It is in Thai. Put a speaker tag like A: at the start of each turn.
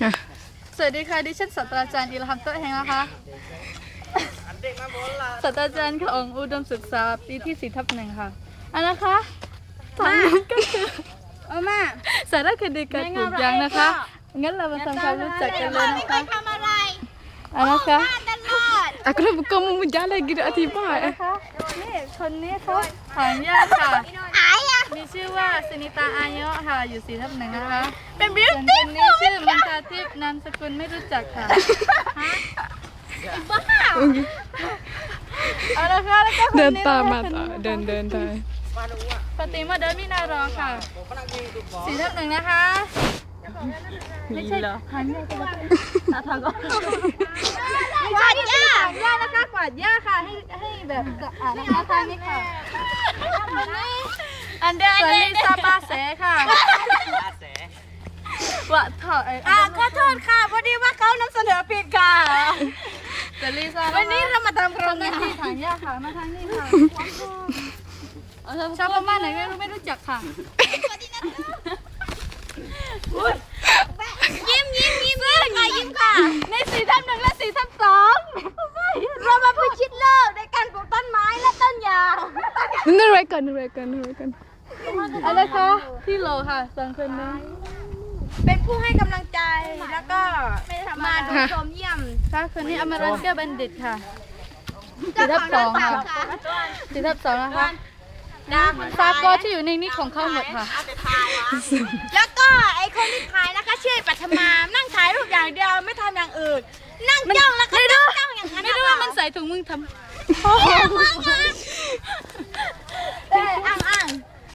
A: สวัสดีค่ะดิฉันศาสตราจารย์อิลฮัมโตะแห่งนะคะศาสตราจารย์ของอุดมศึกษาปีที่4/1ค่ะอันนะคะทางนี้ก็คือมาสารคดีการปลูกยางนะคะงั้นเรามาทำความรู้จักกันเลยนะคะอันนะคะaku dah bukan memuja lagi dah tibaนะคะนี่คนนี้เขาถางหญ้าค่ะมีชื่อว่าสนิตาอายุค่ะอยู่4/1นะคะเป็นบิวตี้คนนี้ชื่อมันตาทิพย์นามสกุลไม่รู้จักค่ะบ้าเอาละค่ะแล้วก็เดินตามมาเดินได้ปฏิมาเดินมินารอค่ะ4/1นะคะไม่ใช่ถางหญ้าก็ได้ถางก็กวาดหญ้านะคะกวาดหญ้าค่ะให้แบบสะอาดนะคะทางนี้ค่ะอันเดอร์ลิซาปาเสค่ะว่าถอดขอโทษค่ะพอดีว่าเขานำเสนอผิดค่ะแต่ลิซาวันนี้เรามาทำโครงงานที่ถางหญ้าค่ะมาทางนี้ค่ะชาวพม่าไหนไม่รู้จักค่ะยิ้มเลยค่ะยิ้มค่ะใน4/1และ4/2เรามาพิชิตโลกในการปลูกต้นไม้และต้นยางนึกอะไรกันอะไรคะพี่โลค่ะ2 คนนี้
B: เป็นผู้ให้กำลังใจแล้วก็มาดูชมเยี่ยม
A: ค่ะคนนี้อมรันเกอร์บัณฑิตค่ะ4/2ค่ะ4/2นะคะซาโกที่อยู่ในนี้ของเขาหมดค่ะ
B: แล้วก็ไอคนที่ถ่ายนะคะชื่อปัทมานั่งถ่ายรูปอย่างเดียวไม่ทำอย่างอื่นนั่งจ้องแล้วก็จ้องอย่างนั้น
A: ไม่รู้ว่ามันใส่ถุงมือทำ
B: อ้าง